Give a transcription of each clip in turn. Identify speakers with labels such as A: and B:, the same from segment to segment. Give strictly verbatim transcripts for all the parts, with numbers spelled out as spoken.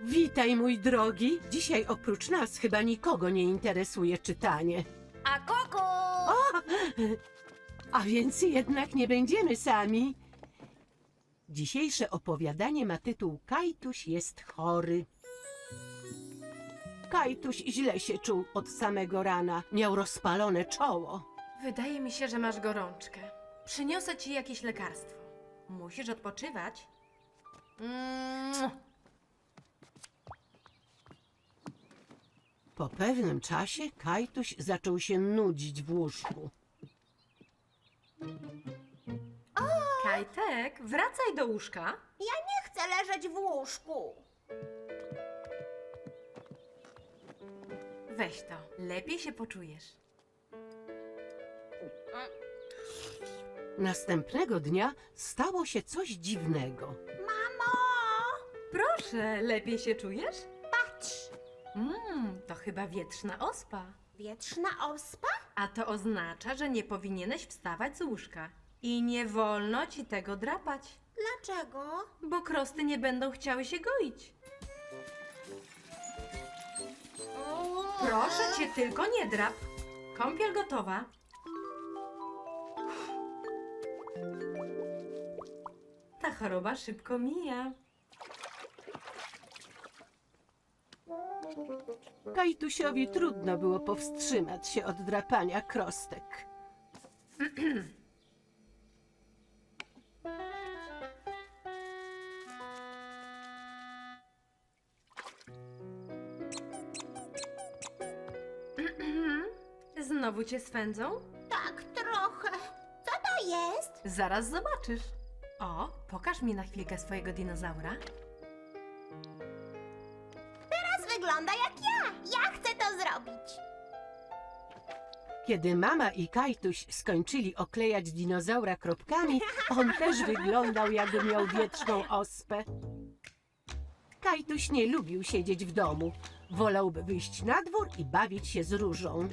A: Witaj, mój drogi. Dzisiaj oprócz nas chyba nikogo nie interesuje czytanie.
B: A kuku!
A: A więc jednak nie będziemy sami. Dzisiejsze opowiadanie ma tytuł Kajtuś jest chory. Kajtuś źle się czuł od samego rana. Miał rozpalone czoło.
B: Wydaje mi się, że masz gorączkę. Przyniosę ci jakieś lekarstwo. Musisz odpoczywać. Mm.
A: Po pewnym czasie Kajtuś zaczął się nudzić w łóżku.
B: Kajtek, wracaj do łóżka.
C: Ja nie chcę leżeć w łóżku.
B: Weź to, lepiej się poczujesz.
A: Następnego dnia stało się coś dziwnego.
C: Mamo,
B: Proszę, lepiej się czujesz?
C: patrz.
B: Mmm, to chyba wietrzna ospa.
C: Wietrzna ospa?
B: A to oznacza, że nie powinieneś wstawać z łóżka. I nie wolno ci tego drapać,
C: Dlaczego?
B: bo krosty nie będą chciały się goić. Proszę cię, tylko nie drap. Kąpiel gotowa. Ta choroba szybko mija.
A: Kajtusiowi trudno było powstrzymać się od drapania krostek.
B: Znowu cię swędzą?
C: Tak, trochę. Co to jest?
B: Zaraz zobaczysz. O, pokaż mi na chwilkę swojego dinozaura.
C: Teraz wygląda jak ja. Ja chcę to zrobić.
A: Kiedy mama i Kajtuś skończyli oklejać dinozaura kropkami, on też wyglądał, jakby miał wietrzną ospę. Kajtuś nie lubił siedzieć w domu. Wolałby wyjść na dwór i bawić się z Różą.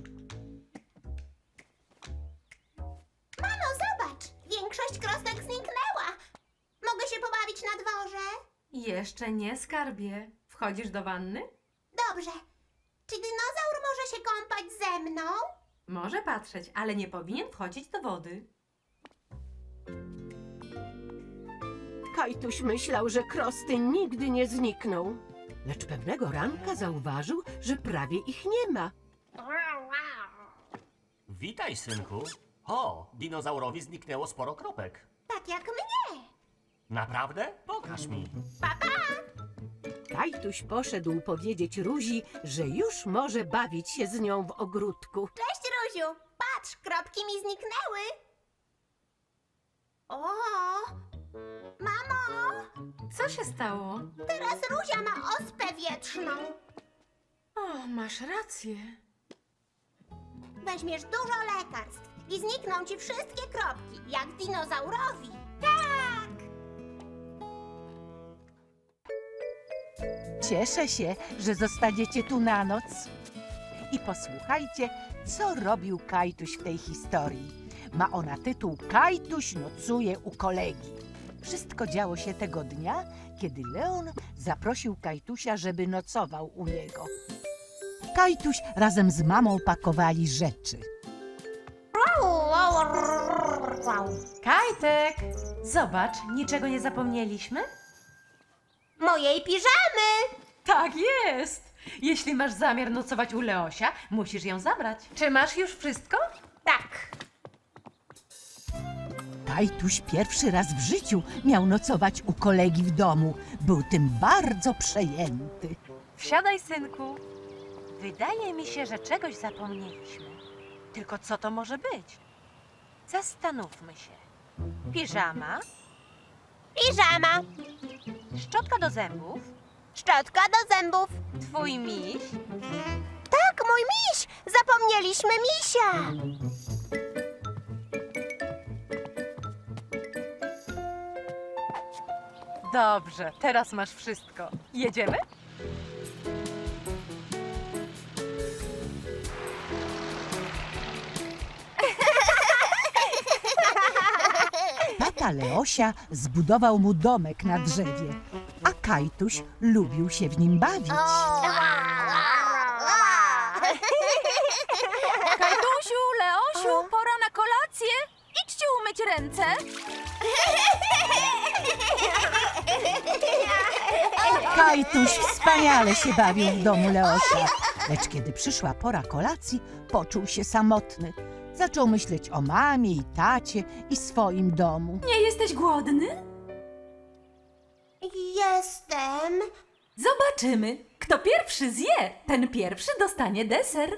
C: Mamo, zobacz. Większość krostek zniknęła. Mogę się pobawić na dworze?
B: Jeszcze nie, skarbie. Wchodzisz do wanny?
C: Dobrze. Czy dinozaur może się kąpać ze mną?
B: Może patrzeć, ale nie powinien wchodzić do wody.
A: Kajtuś myślał, że krosty nigdy nie znikną. Lecz pewnego ranka zauważył, że prawie ich nie ma.
D: Witaj, synku. O, dinozaurowi zniknęło sporo kropek.
C: Tak jak mnie.
D: Naprawdę? Pokaż mi.
A: Kajtuś poszedł powiedzieć Ruzi, że już może bawić się z nią w ogródku.
C: Cześć, Ruziu. Patrz, kropki mi zniknęły. O, mamo,
B: Co się stało?
C: teraz Ruzia ma ospę wietrzną.
B: O, masz rację.
C: Weźmiesz dużo lekarstw i znikną ci wszystkie kropki, jak dinozaurowi. Tak!
E: Cieszę się, że zostaniecie tu na noc. I posłuchajcie, co robił Kajtuś w tej historii. Ma ona tytuł Kajtuś nocuje u kolegi. Wszystko działo się tego dnia, kiedy Leon zaprosił Kajtusia, żeby nocował u niego. Kajtuś razem z mamą pakowali rzeczy.
B: Kajtek! Zobacz, niczego nie zapomnieliśmy?
C: Mojej piżamy!
B: Tak jest! Jeśli masz zamiar nocować u Leosia, musisz ją zabrać. Czy masz już wszystko?
C: Tak.
E: Kajtuś pierwszy raz w życiu miał nocować u kolegi w domu. Był tym bardzo przejęty.
F: Wsiadaj, synku. Wydaje mi się, że czegoś zapomnieliśmy. Tylko co to może być? Zastanówmy się. Piżama,
C: Piżama,
F: szczotka do zębów,
C: szczotka do zębów.
F: twój miś,
C: Tak, mój miś! Zapomnieliśmy misia!
F: Dobrze, teraz masz wszystko. Jedziemy?
E: Tata Leosia zbudował mu domek na drzewie, a Kajtuś lubił się w nim bawić.
G: Kajtusiu, Leosiu, pora na kolację. Idźcie umyć ręce.
E: Kajtuś wspaniale się bawił w domu Leosia, lecz kiedy przyszła pora kolacji, poczuł się samotny. Zaczął myśleć o mamie i tacie i swoim domu.
G: Nie jesteś głodny?
C: Jestem.
G: Zobaczymy. Kto pierwszy zje, ten pierwszy dostanie deser.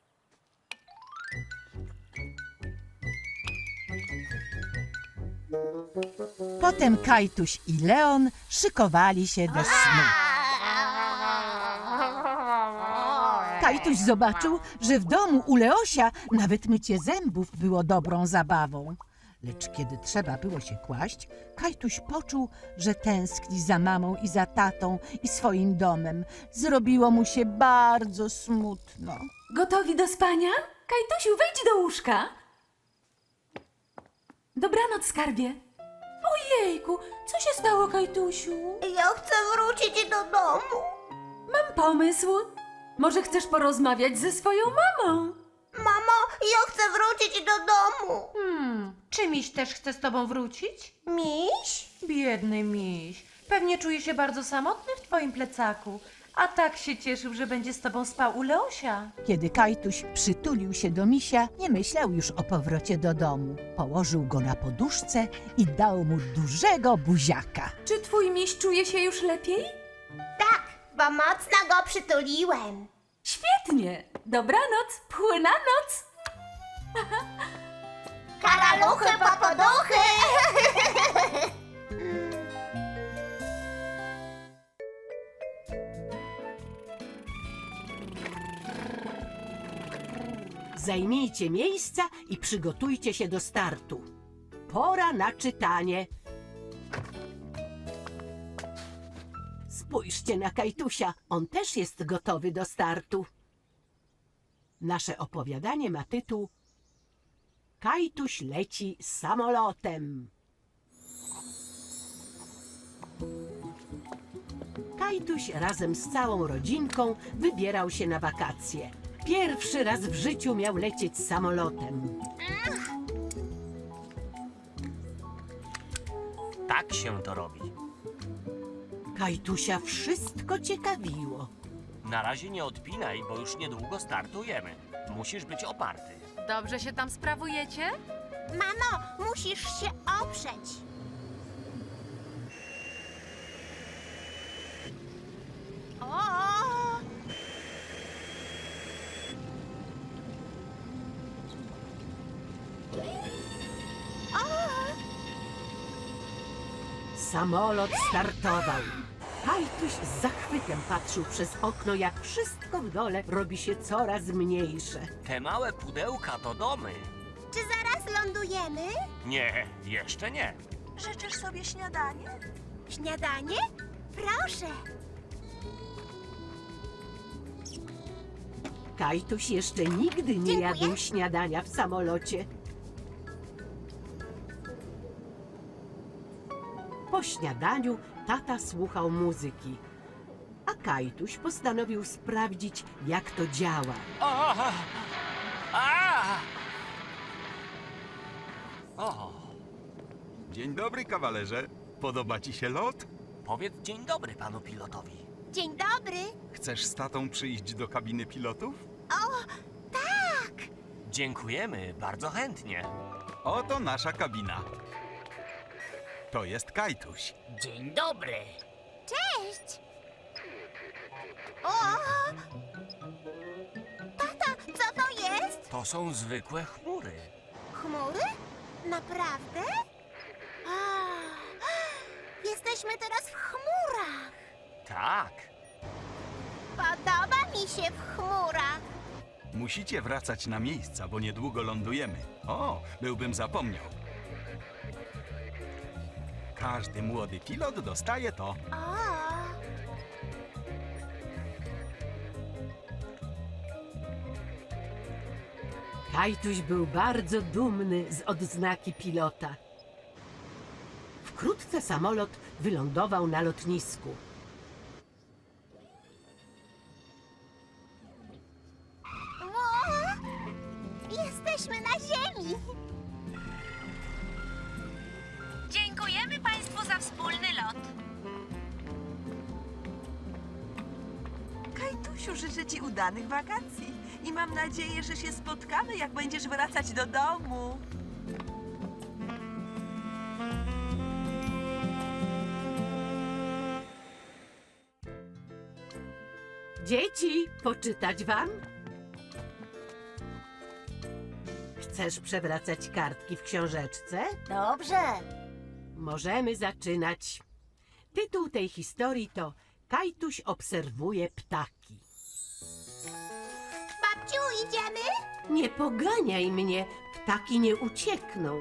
E: Potem Kajtuś i Leon szykowali się do snu. Kajtuś zobaczył, że w domu u Leosia nawet mycie zębów było dobrą zabawą. Lecz kiedy trzeba było się kłaść, Kajtuś poczuł, że tęskni za mamą i za tatą i swoim domem. Zrobiło mu się bardzo smutno.
G: Gotowi do spania? Kajtusiu, wejdź do łóżka. Dobranoc, skarbie. Ojejku, co się stało, Kajtusiu?
C: Ja chcę wrócić do domu.
G: Mam pomysł. Może chcesz porozmawiać ze swoją mamą?
C: Mamo, ja chcę wrócić do domu.
F: Hmm, czy miś też chce z tobą wrócić?
C: Miś?
F: Biedny miś. Pewnie czuje się bardzo samotny w twoim plecaku. A tak się cieszył, że będzie z tobą spał u Leosia.
E: Kiedy Kajtuś przytulił się do misia, nie myślał już o powrocie do domu. Położył go na poduszce i dał mu dużego buziaka.
G: Czy twój miś czuje się już lepiej?
C: Tak, bo mocno go przytuliłem.
G: Świetnie. Dobranoc, płyna noc.
C: Karaluchy po poduchy.
A: Zajmijcie miejsca i przygotujcie się do startu. Pora na czytanie. Spójrzcie na Kajtusia, on też jest gotowy do startu. Nasze opowiadanie ma tytuł Kajtuś leci samolotem. Kajtuś razem z całą rodzinką wybierał się na wakacje. Pierwszy raz w życiu miał lecieć samolotem.
D: Tak się to robi.
A: Kajtusia wszystko ciekawiło.
D: Na razie nie odpinaj, bo już niedługo startujemy. Musisz być oparty.
B: Dobrze się tam sprawujecie?
C: Mamo, musisz się oprzeć. O!
A: Samolot startował. Kajtuś z zachwytem patrzył przez okno, jak wszystko w dole robi się coraz mniejsze.
D: Te małe pudełka to domy.
C: Czy zaraz lądujemy?
D: Nie, jeszcze nie.
C: Życzysz sobie śniadanie? Śniadanie? Proszę.
A: Kajtuś jeszcze nigdy nie
C: Dziękuję.
A: jadł śniadania w samolocie. Po śniadaniu tata słuchał muzyki, a Kajtuś postanowił sprawdzić, jak to działa.
D: A! A! O,
H: Dzień dobry, kawalerze. Podoba ci się lot?
D: powiedz dzień dobry panu pilotowi.
C: Dzień dobry.
H: Chcesz z tatą przyjść do kabiny pilotów?
D: Dziękujemy, bardzo chętnie.
H: Oto nasza kabina. To jest Kajtuś.
D: Dzień dobry.
C: Cześć. O! Tata, co to jest?
D: To są zwykłe chmury.
C: Chmury? Naprawdę? A, jesteśmy teraz w chmurach.
D: Tak.
C: Podoba mi się w chmurach.
H: Musicie wracać na miejsca, bo niedługo lądujemy. O, byłbym zapomniał. Każdy młody pilot dostaje to.
C: O!
A: Kajtuś był bardzo dumny z odznaki pilota. Wkrótce samolot wylądował na lotnisku.
C: jesteśmy na ziemi.
F: Dziękujemy Państwu za wspólny lot.
I: Kajtusiu, życzę Ci udanych wakacji i mam nadzieję, że się spotkamy, jak będziesz wracać do domu.
A: Dzieci, poczytać wam? Chcesz przewracać kartki w książeczce?
C: Dobrze.
A: Możemy zaczynać. Tytuł tej historii to Kajtuś obserwuje ptaki.
C: Babciu, idziemy?
A: Nie poganiaj mnie, ptaki nie uciekną.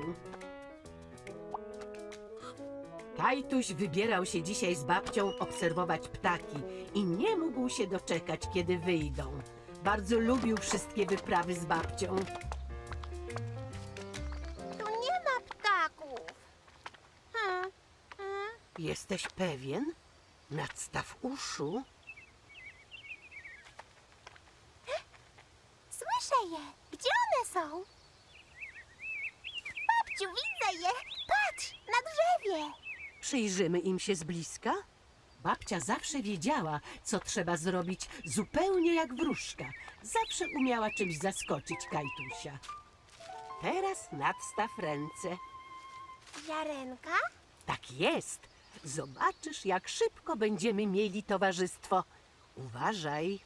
A: Kajtuś wybierał się dzisiaj z babcią obserwować ptaki i nie mógł się doczekać, kiedy wyjdą. Bardzo lubił wszystkie wyprawy z babcią.
C: Tu nie ma ptaków. Hmm. Hmm.
A: Jesteś pewien? Nadstaw uszu.
C: Słyszę je. Gdzie one są? Babciu, widzę je. Patrz, na drzewie.
A: Przyjrzymy im się z bliska. Babcia zawsze wiedziała, co trzeba zrobić, zupełnie jak wróżka. Zawsze umiała czymś zaskoczyć Kajtusia. Teraz nadstaw ręce.
C: Ziarenka?
A: Tak jest. Zobaczysz, jak szybko będziemy mieli towarzystwo. Uważaj.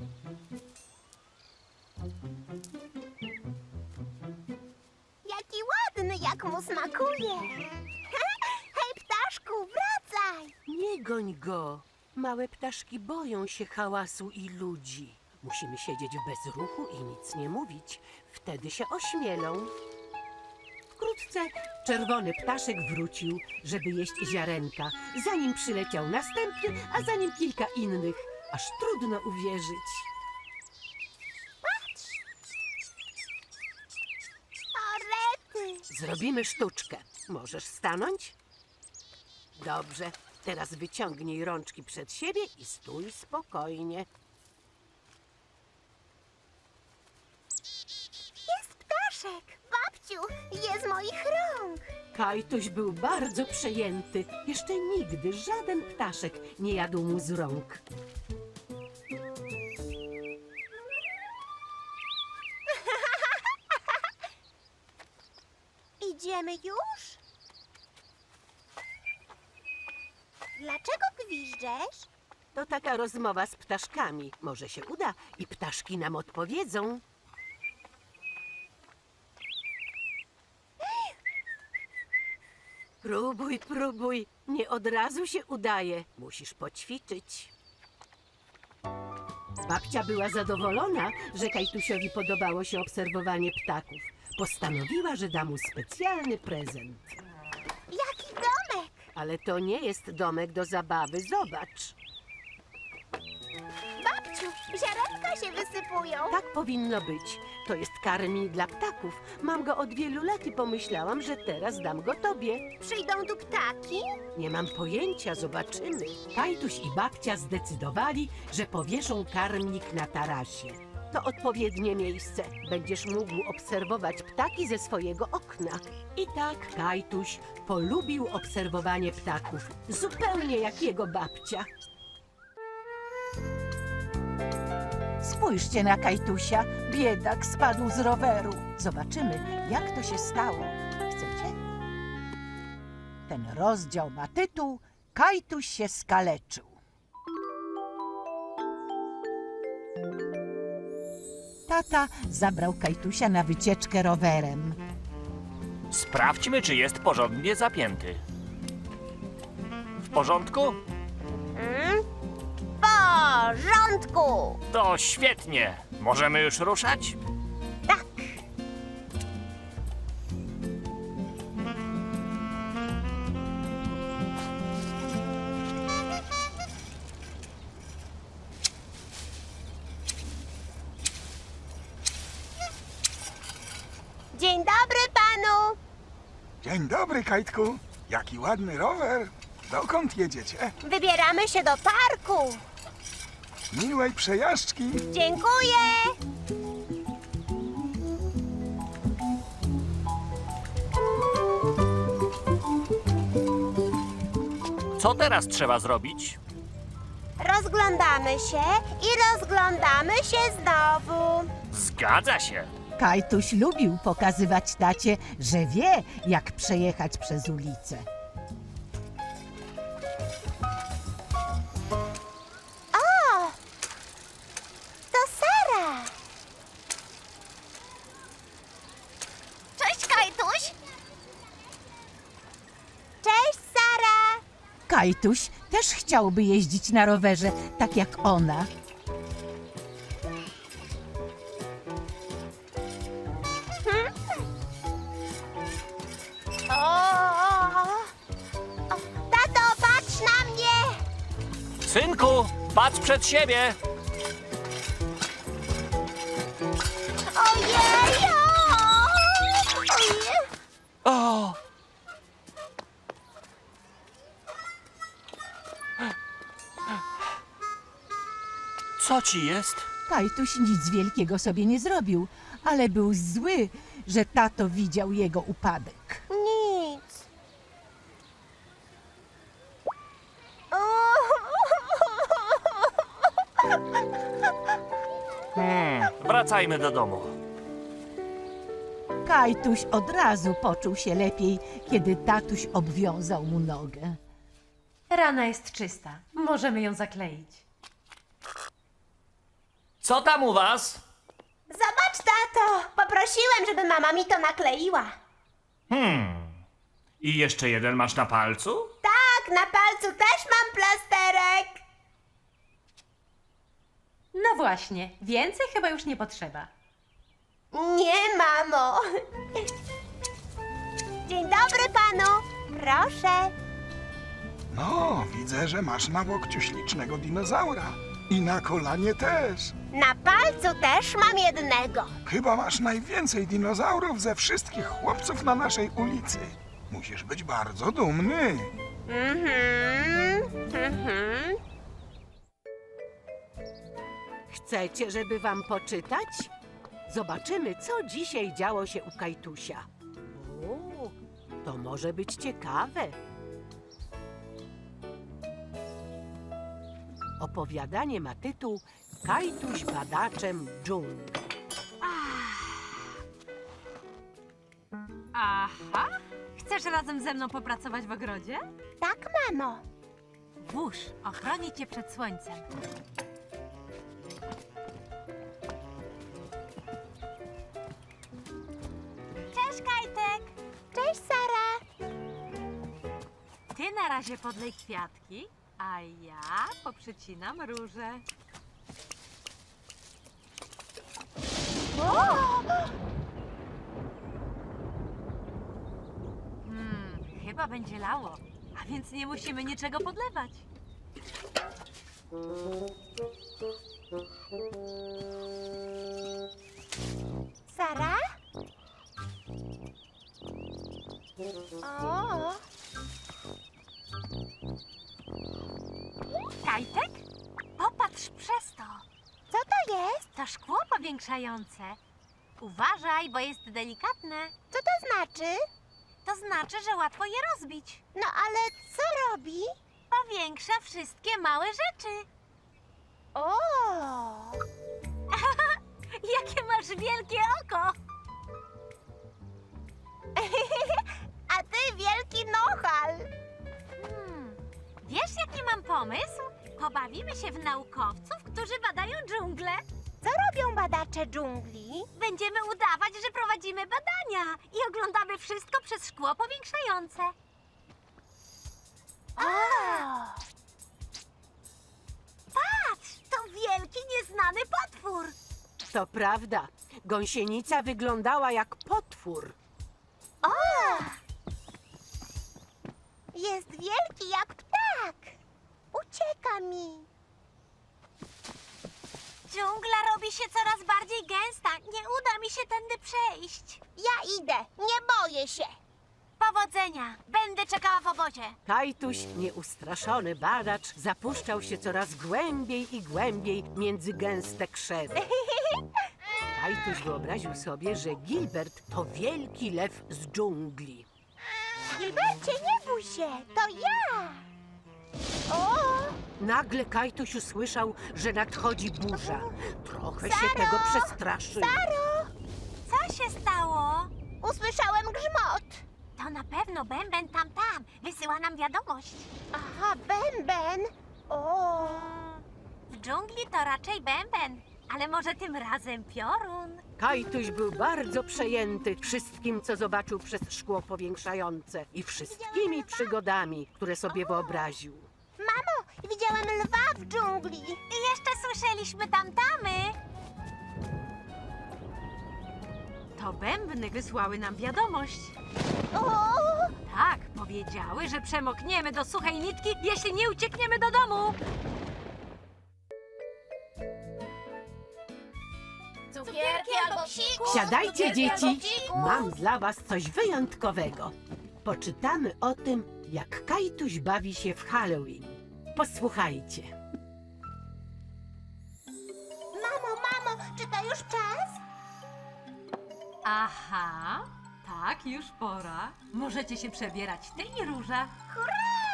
C: Jaki ładny, jak mu smakuje. Hej, ptaszku, wracaj.
A: Nie goń go. Małe ptaszki boją się hałasu i ludzi. Musimy siedzieć w bezruchu i nic nie mówić. Wtedy się ośmielą. Wkrótce czerwony ptaszek wrócił, żeby jeść ziarenka. Zanim przyleciał następny, a za nim kilka innych. Aż trudno uwierzyć.
C: Patrz. O, rety.
A: Zrobimy sztuczkę. Możesz stanąć? Dobrze. Teraz wyciągnij rączki przed siebie i stój spokojnie.
C: Jest ptaszek. Babciu, je z moich rąk.
A: Kajtuś był bardzo przejęty. Jeszcze nigdy żaden ptaszek nie jadł mu z rąk.
C: Idziemy już? Dlaczego gwiżdżesz?
A: To taka rozmowa z ptaszkami. Może się uda i ptaszki nam odpowiedzą. Próbuj, próbuj. Nie od razu się udaje. Musisz poćwiczyć. Babcia była zadowolona, że Kajtusiowi podobało się obserwowanie ptaków. Postanowiła, że da mu specjalny prezent.
C: Jaki domek?
A: Ale to nie jest domek do zabawy. Zobacz.
C: Babciu, ziarenka się wysypują.
A: Tak powinno być. To jest karmi dla ptaków. Mam go od wielu lat i pomyślałam, że teraz dam go tobie.
C: Przyjdą tu ptaki?
A: Nie mam pojęcia, zobaczymy. Kajtuś i babcia zdecydowali, że powieszą karmnik na tarasie. To odpowiednie miejsce. Będziesz mógł obserwować ptaki ze swojego okna. I tak Kajtuś polubił obserwowanie ptaków. Zupełnie jak jego babcia.
E: Spójrzcie na Kajtusia. Biedak spadł z roweru. Zobaczymy, jak to się stało. Chcecie? Ten rozdział ma tytuł Kajtuś się skaleczył. Tata zabrał Kajtusia na wycieczkę rowerem.
J: Sprawdźmy, czy jest porządnie zapięty. W porządku?
C: Hmm? W porządku.
J: To świetnie. Możemy już ruszać?
C: Tak. Dzień dobry panu.
K: Dzień dobry, Kajtku. Jaki ładny rower. Dokąd jedziecie?
C: Wybieramy się do parku.
K: Miłej przejażdżki.
C: Dziękuję.
J: Co teraz trzeba zrobić?
C: Rozglądamy się i rozglądamy się znowu.
J: Zgadza się.
E: Kajtuś lubił pokazywać tacie, że wie, jak przejechać przez ulicę.
C: O! To Sara! Cześć, Kajtuś! Cześć, Sara!
E: Kajtuś też chciałby jeździć na rowerze, tak jak ona.
C: O, o, o. Tato, patrz na mnie!
J: Synku, patrz przed siebie.
C: Ojej! O! Ojej!
J: O! Co ci jest?
E: Kajtuś nic wielkiego sobie nie zrobił, ale był zły, że tato widział jego upadek.
C: Nic.
J: Hmm, wracajmy do domu.
E: Kajtuś od razu poczuł się lepiej, kiedy tatuś obwiązał mu nogę.
F: Rana jest czysta. Możemy ją zakleić.
J: Co tam u was?
C: Zobacz, tato! Poprosiłem, żeby mama mi to nakleiła.
J: Hmm. I jeszcze jeden masz na palcu?
C: Tak, na palcu też mam plasterek.
F: No właśnie, więcej chyba już nie potrzeba.
C: Nie, mamo. Dzień dobry panu. Proszę.
K: No, widzę, że masz na łokciu ślicznego dinozaura. I na kolanie też.
C: Na palcu też mam jednego.
K: Chyba masz najwięcej dinozaurów ze wszystkich chłopców na naszej ulicy. Musisz być bardzo dumny.
C: Mhm. Mhm.
A: Chcecie, żeby wam poczytać? Zobaczymy, co dzisiaj działo się u Kajtusia. O, to może być ciekawe. Opowiadanie ma tytuł Kajtuś badaczem dżungli.
F: Aha! Chcesz razem ze mną popracować w ogrodzie?
C: Tak, mamo.
F: Wóż ochroni cię przed słońcem.
C: Cześć, Kajtek. Cześć, Sara.
F: Ty na razie podlej kwiatki, a ja poprzecinam róże. Hmm, chyba będzie lało, a więc nie musimy niczego podlewać.
C: Sara? O.
F: Kajtek? Popatrz przez to.
C: Co to jest?
F: To szkło powiększające. Uważaj, bo jest delikatne.
C: Co to znaczy?
F: To znaczy, że łatwo je rozbić.
C: No ale co robi?
F: Powiększa wszystkie małe rzeczy.
C: O!
F: Jakie masz wielkie oko!
C: A ty wielki nohal.
F: Hmm. Wiesz, jaki mam pomysł? Pobawimy się w naukowców, którzy badają dżunglę.
C: Co robią badacze dżungli?
F: Będziemy udawać, że prowadzimy badania i oglądamy wszystko przez szkło powiększające.
C: O!
F: Patrz, to wielki, nieznany potwór.
A: To prawda, gąsienica wyglądała jak potwór.
C: O! Jest wielki jak ptak. Ucieka mi.
F: Dżungla robi się coraz bardziej gęsta. Nie uda mi się tędy przejść.
C: Ja idę, nie boję się.
F: Powodzenia. Będę czekała w obozie.
A: Kajtuś, nieustraszony badacz, zapuszczał się coraz głębiej i głębiej między gęste krzewy. Kajtuś wyobraził sobie, że Gilbert to wielki lew z dżungli.
C: Gilbercie, nie bój się, to ja.
A: Nagle Kajtuś usłyszał, że nadchodzi burza. Trochę się tego przestraszył.
C: Co się stało? Usłyszałem grzmot. To na pewno Bęben tam tam. Wysyła nam wiadomość. Aha, Bęben. O. W dżungli to raczej Bęben, ale może tym razem piorun.
A: Kajtuś był bardzo przejęty wszystkim, co zobaczył przez szkło powiększające i wszystkimi przygodami, które sobie wyobraził.
C: Mamo, widziałem lwa w dżungli. I jeszcze słyszeliśmy tamtamy.
F: To bębny wysłały nam wiadomość.
C: O!
F: Tak, powiedziały, że przemokniemy do suchej nitki, jeśli nie uciekniemy do domu.
C: Cukierki albo psikus.
A: Siadajcie,
C: Cukierki
A: dzieci!
C: albo psikus.
A: Mam dla was coś wyjątkowego. Poczytamy o tym, jak Kajtuś bawi się w Halloween. Posłuchajcie.
C: Mamo, mamo, czy to już czas?
F: Aha, tak, już pora. Możecie się przebierać, ty i Róża.
C: Hurra!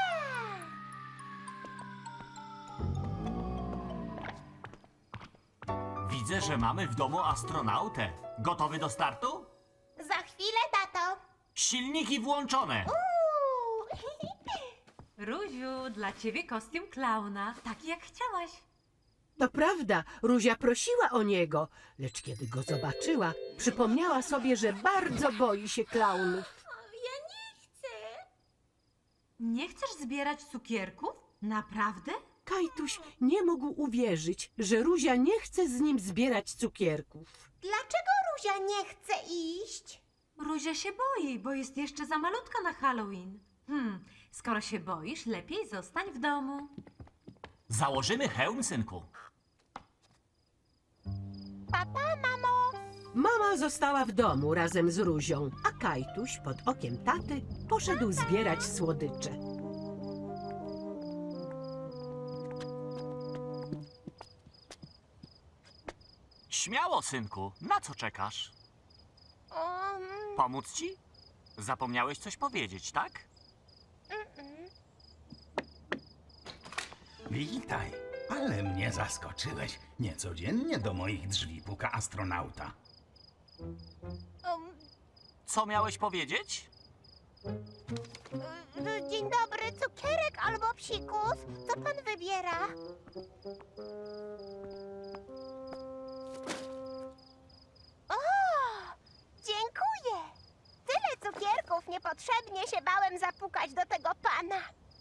D: Widzę, że mamy w domu astronautę. Gotowy do startu?
C: Za chwilę, tato.
D: Silniki włączone.
C: Uuu.
F: Róziu, dla ciebie kostium klauna, taki jak chciałaś.
A: To prawda, Ruzia prosiła o niego, lecz kiedy go zobaczyła, przypomniała sobie, że bardzo boi się klaunów.
C: Ja nie chcę.
F: Nie chcesz zbierać cukierków? Naprawdę?
A: Kajtuś nie mógł uwierzyć, że Ruzia nie chce z nim zbierać cukierków.
C: Dlaczego Ruzia nie chce iść?
F: Ruzia się boi, bo jest jeszcze za malutka na Halloween. Hmm, skoro się boisz, lepiej zostań w domu.
D: Założymy hełm, synku.
C: Papa, mamo.
A: Mama została w domu razem z Ruzią, a Kajtuś pod okiem taty poszedł zbierać słodycze.
D: Śmiało, synku. Na co czekasz?
C: Um,
D: Pomóc ci? Zapomniałeś coś powiedzieć, tak?
L: Witaj, ale mnie zaskoczyłeś. Niecodziennie do moich drzwi puka astronauta.
C: um,
D: Co miałeś powiedzieć?
C: y, dzień dobry, cukierek albo psikus? Co pan wybiera? O, dziękuję. Tyle cukierków, niepotrzebnie się bałem zapukać do tego pana.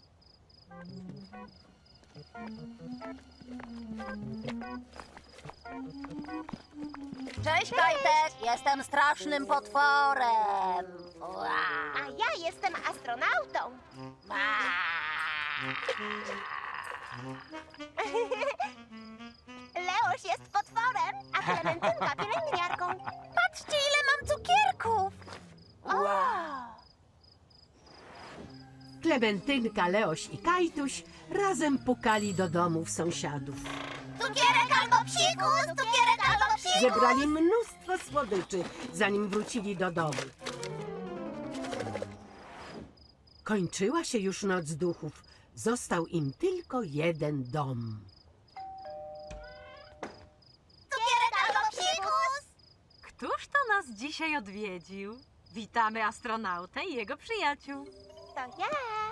M: Cześć, Kajtek! Jestem strasznym potworem.
C: A ja jestem astronautą. Leoś jest potworem, a Klementynka pielęgniarką. Patrzcie, ile mam cukierków! O!
A: Klementynka, Leoś i Kajtuś razem pukali do domów sąsiadów.
C: Cukierek albo psikus! Cukierek albo psikus!
A: Zebrali mnóstwo słodyczy, zanim wrócili do domu. Kończyła się już noc duchów. Został im tylko jeden dom.
C: Cukierek albo psikus!
F: Któż to nas dzisiaj odwiedził? Witamy astronautę i jego przyjaciół.
C: To ja.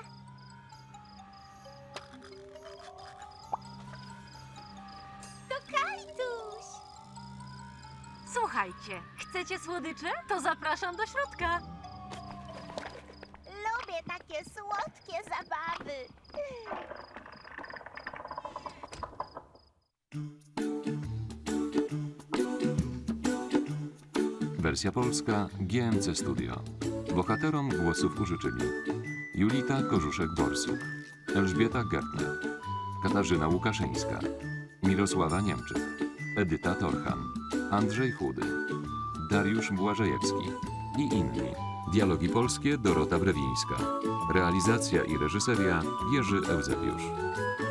C: To Kajtuś.
F: Słuchajcie, chcecie słodycze? To zapraszam do środka.
C: Lubię takie słodkie zabawy.
N: Wersja polska G M C Studio. Bohaterom głosów użyczyli Julita Korzuszek-Borsuk, Elżbieta Gertner, Katarzyna Łukaszyńska, Mirosława Niemczyk, Edyta Torcham, Andrzej Chudy, Dariusz Błażejewski i inni. Dialogi polskie Dorota Brewińska. Realizacja i reżyseria Jerzy Eusebiusz.